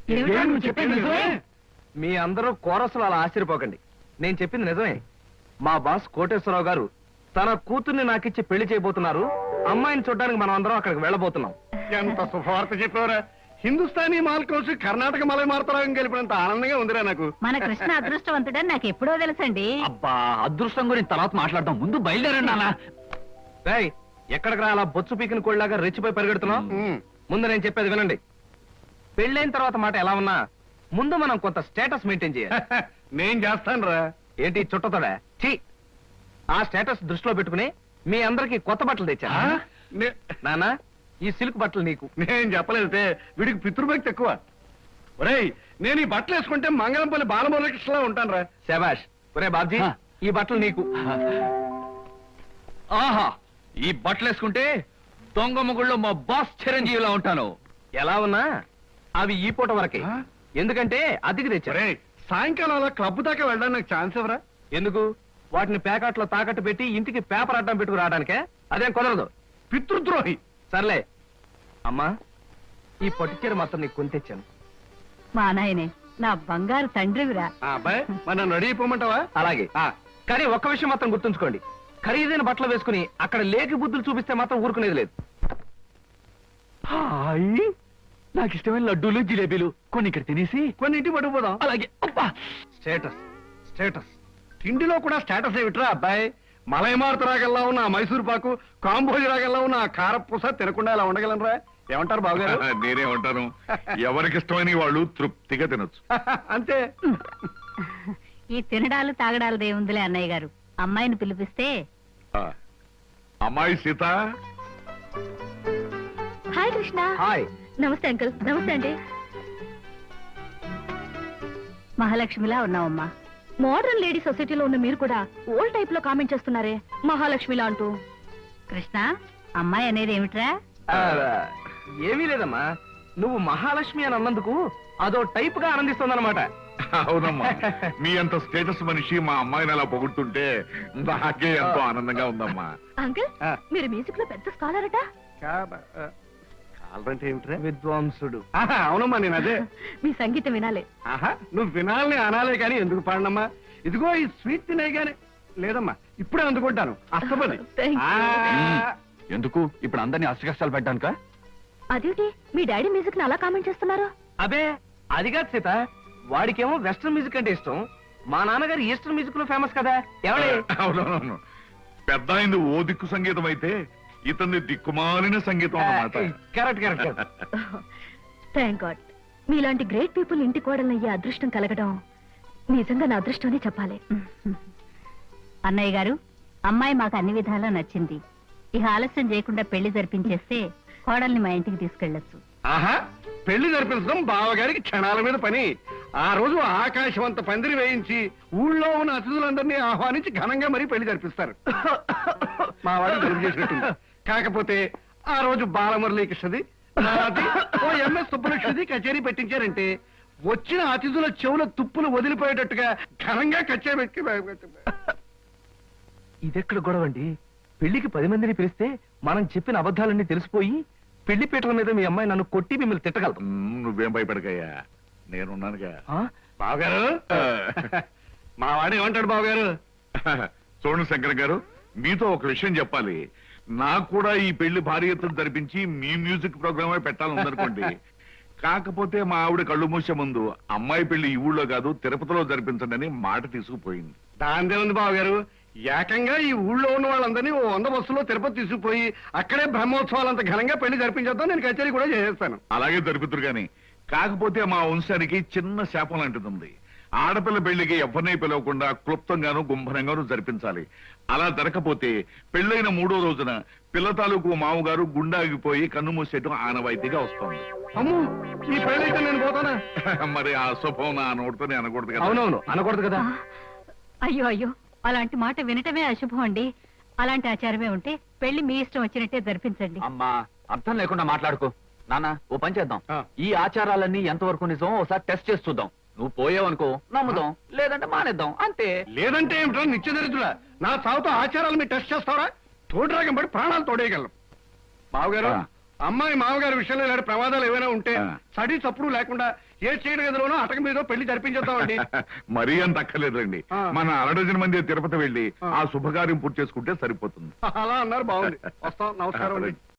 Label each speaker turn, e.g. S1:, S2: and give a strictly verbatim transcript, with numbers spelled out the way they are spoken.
S1: మీ అందరూ కోరసులు అలా ఆశ్చర్యపోకండి. నేను చెప్పింది నిజమే. మా బాస్ కోటేశ్వరరావు గారు తన కూతుర్ని నాకిచ్చి పెళ్లి చేయబోతున్నారు. అమ్మాయిని చూడడానికి మనం అందరం అక్కడికి వెళ్ళబోతున్నాం.
S2: ఎంత శుభవార్త చెప్పారా! హిందుస్థానీ మాల్ కోసి కర్ణాటక మలై మారుతరాగం గెలిపినంత ఆనందంగా ఉందిరా నాకు.
S3: మన కృష్ణ అదృష్టవంతుడని నాకు ఎప్పుడో తెలుసండి.
S1: అబ్బా, అదృష్టం గురించి తర్వాత మాట్లాడదాం, ముందు బయలుదేరండి అలా. రేయ్, ఎక్కడికి రా అలా బొచ్చు పీకిన కోళ్ళలాగా రెచ్చిపోయి పరిగెడుతున్నాం? ముందు నేను చెప్పేది వినండి. పెళ్ళైన తర్వాత మాట ఎలా ఉన్నా ముందు మనం కొంత స్టేటస్ మెయింటైన్ చేయాలి.
S2: నేను చేస్తాను రా.
S1: ఏంటి చుట్టతోడా? ఛీ, ఆ స్టేటస్ దృష్టిలో పెట్టుకుని మీ అందరికి కొత్త బట్టలు తెచ్చా. నానా, ఈ సిల్క్ బట్టలు నీకు.
S2: నేను చెప్పలేదే, వీడికి పితృభక్తి ఎక్కువ. ఒరేయ్, నేను ఈ బట్టలు వేసుకుంటే మంగళంపల్లి బాలమురళకృష్ణలా ఉంటాను రా.
S1: శభాష్. ఒరే బాబ్జీ, ఈ బట్టలు నీకు. ఆహా, ఈ బట్టలు వేసుకుంటే దొంగ మొగుళ్ళో మా బాస్ చిరంజీవిలా ఉంటాను. ఎలా ఉన్నా అవి ఈ పూట వరకే, ఎందుకంటే అద్దెకి తెచ్చారే.
S2: సాయంకాలం అలా క్లబ్ దాకా వెళ్ళడానికి నాకు ఛాన్స్ ఎవరా?
S1: ఎందుకు? వాటిని ప్యాకెట్లో తాకట్టు పెట్టి ఇంటికి పేపర్ అడ్డం పెట్టుకు రావడానికే. అదేం కుదరదు.
S2: పితృద్రోహి.
S1: సర్లే అమ్మా, ఈ పట్టుచీర మొత్తం నీకు కొని తెచ్చాను.
S3: మా నాయనే, నా బంగారు తండ్రివిరా.
S2: అబ్బాయి, మరి నన్ను రెడీ అయిపోమంటావా?
S1: అలాగే. కానీ ఒక్క విషయం మాత్రం గుర్తుంచుకోండి, ఖరీదైన బట్టలు వేసుకుని అక్కడ లేకి బుద్ధులు చూపిస్తే మాత్రం ఊరుకునేది లేదు. హాయ్, నాకు ఇష్టమైన లడ్డూలు జిలేబీలు కొన్ని ఇక్కడ తినేసి
S2: కొన్ని ఇంటికి పట్టుకుపోదాం.
S1: అలాగే. అబ్బా, స్టేటస్ స్టేటస్
S2: తిండిలో కూడా స్టేటస్ ఏమిట్రా అబ్బాయి? మలైమారుత రాగల్లా ఉన్న ఆ మైసూర్ పాకు, కాంబోజ్ రాగల్లా ఉన్న ఆ కారపూస తినకుండా ఇలా ఉండగలనరా? ఏమంటారు బావగారు?
S4: నేనే ఉంటాను. ఎవరికి ఇష్టమైన వాళ్ళు తృప్తిగా తినొచ్చు.
S2: అంతే.
S3: ఈ తినడాలు తాగడాలు దేవుందిలే అన్నయ్య గారు. అమ్మాయిని పిలిపిస్తే.
S4: అమ్మాయి సీత.
S3: హాయ్ కృష్ణ.
S1: హాయ్.
S3: నమస్తే అంకుల్. నమస్తే అండి. మహాలక్ష్మిలా ఉన్నావమ్మా. మోడర్న్ లేడీ సొసైటీలో ఉన్న మీరు కూడా ఓల్డ్ టైప్ లో కామెంట్ చేస్తున్నారే మహాలక్ష్మిలా అంటూ. కృష్ణ, అమ్మాయి అనేది ఏమిట్రా?
S1: ఏమీ లేదమ్మా, నువ్వు మహాలక్ష్మి అని అన్నందుకు అదో టైప్ గా ఆనందిస్తుందన్నమాట.
S4: అవునమ్మా, మీ అంత స్టేటస్ మనిషి మా అమ్మాయిని అలా పొగుడుతుంటే నాకే ఎంతో ఆనందంగా ఉందమ్మా.
S3: అంకుల్, మీరు మ్యూజిక్ లో పెద్ద స్కాలర్ అట.
S2: అంటే ఏమిట్రా?
S1: విద్వాంసుడు.
S2: అవునమ్మా, నేను అదే.
S3: మీ సంగీతం వినాలి.
S2: ఆహా, నువ్వు వినాలని అనాలే కానీ ఎందుకు పాడనమ్మా? ఇదిగో ఈ స్వీట్ తినే గానీ. లేదమ్మా, ఇప్పుడే అందుకుంటాను. అస్తపది.
S1: ఎందుకు ఇప్పుడు అందరినీ అష్ట కష్టాలు పెట్టడానిక?
S3: అదేంటి మీ డాడీ మ్యూజిక్ ని అలా కామెంట్ చేస్తున్నారు?
S1: అబే, అది కాదు సీత, వాడికేమో వెస్టర్న్ మ్యూజిక్ అంటే ఇష్టం. మా నాన్నగారు ఈస్టర్న్ మ్యూజిక్ లో ఫేమస్ కదా. ఎవడే?
S4: అవునవును, పెద్ద అయింది ఓ దిక్కు సంగీతం అయితే ఇతన్ని దిక్కుమాలిన సంగీతం అన్నమాట.
S1: Correct correct.
S3: థ్యాంక్ గాడ్, మీలాంటి గ్రేట్ పీపుల్ ఇంటి కోడలయ్యే అదృష్టం కలగడం నిజంగా నా అదృష్టం అని చెప్పాలి. అన్నయ్య గారు, అమ్మాయి మాకు అన్ని విధాలా నచ్చింది. ఇక ఆలస్యం చేయకుండా పెళ్లి జరిపించేస్తే కోడల్ని మా ఇంటికి తీసుకెళ్లొచ్చు.
S2: ఆహా, పెళ్లి జరిపించడం బావగారికి క్షణాల మీద పని. ఆ రోజు ఆకాశం అంత పందిరి వేయించి ఊళ్ళో ఉన్న అతిథులందరినీ ఆహ్వానించి ఘనంగా మరీ పెళ్లి జరిపిస్తారు. మా వాడు జరుపు చేసినట్టుంది. కాకపోతే ఆ రోజు బాలమురళీకృష్ణది, నాది, ఓ ఎంఎస్ సుబ్బలక్ష్మిది కచేరీ పెట్టించారంటే వచ్చిన అతిథుల చెవుల తుప్పులు వదిలిపోయేటట్టుగా ఘనంగా కచేరీ పెట్టి.
S1: ఇదెక్కడ గొడవండి? పెళ్లికి పది మందిని పిలిస్తే మనం చెప్పిన అబద్ధాలన్నీ తెలిసిపోయి పెళ్లి పీటల మీద మీ అమ్మాయి నన్ను కొట్టి మిమ్మల్ని తిట్టగలదు.
S4: నువ్వేం భయపడకయ్యా, నేనున్నానుగా.
S2: బావగారు, మా వాడు ఏమంటాడు బావగారు?
S4: చూడండి శంకర్ గారు, మీతో ఒక విషయం చెప్పాలి. నాకు కూడా ఈ పెళ్లి భారీ ఎత్తున జరిపించి మీ మ్యూజిక్ ప్రోగ్రామే పెట్టాలనుందనుకోండి. కాకపోతే మా ఆవిడ కళ్ళు మూసే ముందు అమ్మాయి పెళ్లి ఈ ఊళ్ళో కాదు తిరుపతిలో జరిపించండి అని మాట తీసుకుపోయింది.
S2: దాందే ఉంది బావగారు, ఏకంగా ఈ ఊళ్ళో ఉన్న వాళ్ళందరినీ ఓ వంద బస్సులో తిరుపతి తీసుకుపోయి అక్కడే బ్రహ్మోత్సవాలంత ఘనంగా పెళ్లి జరిపించేద్దాం. నేను కచేరీ కూడా చేసేస్తాను.
S4: అలాగే జరుపుతురు గాని, కాకపోతే మా వంశానికి చిన్న శాపం లాంటిది ఉంది. ఆడపిల్ల పెళ్లికి ఎవరిని పిలవకుండా క్లుప్తంగాను గుంభనంగాను జరిపించాలి. అలా జరగకపోతే పెళ్లైన మూడో రోజున పిల్ల తాలూకు మామగారు గుండాగిపోయి కన్ను మూసేయటం ఆనవాయితీగా వస్తుంది.
S2: అమ్ము, ఈ పెళ్ళైతే నేను పోతానా?
S4: మరి ఆ శుభం నా నోటితోనే అనకూడదు కదా.
S1: అవునవును, అనకూడదు కదా.
S3: అయ్యో అయ్యో, అలాంటి మాట వినటమే అశుభం అండి. అలాంటి ఆచారమే ఉంటే పెళ్లి మీ ఇష్టం వచ్చినట్టే జరిపించండి.
S1: అమ్మా, అర్థం లేకుండా మాట్లాడుకో. నాన్న, ఓ పని చేద్దాం. ఈ ఆచారాలన్నీ ఎంతవరకు నిజం ఒకసారి టెస్ట్ చేసి చూద్దాం. నువ్వు పోయావనుకో నమ్ముదాం, లేదంటే మానేద్దాం, అంతే.
S2: లేదంటే ఏమిటో నిత్య దరిద్రుడా, నా సాగుతో ఆచారాలు మీరు టెస్ట్ చేస్తారా? తోడురాగం పడి ప్రాణాలు తోడేయగలం. మావగారు, అమ్మాయి మామగారి విషయంలో ఇలాంటి ప్రమాదాలు ఏమైనా ఉంటే సడి చప్పుడు లేకుండా ఏ చీడ గదిలోనో అటక మీద పెళ్లి జరిపించేద్దామండి.
S4: మరీ అంత అక్కర్లేదండి.
S2: ఆ.
S4: మన అరడజన మంది తిరుపతి వెళ్ళి
S2: ఆ.
S4: ఆ శుభకార్యం పూర్తి చేసుకుంటే సరిపోతుంది.
S2: అలా అన్నారు, బాగుంది. వస్తాం, నమస్కారం అండి.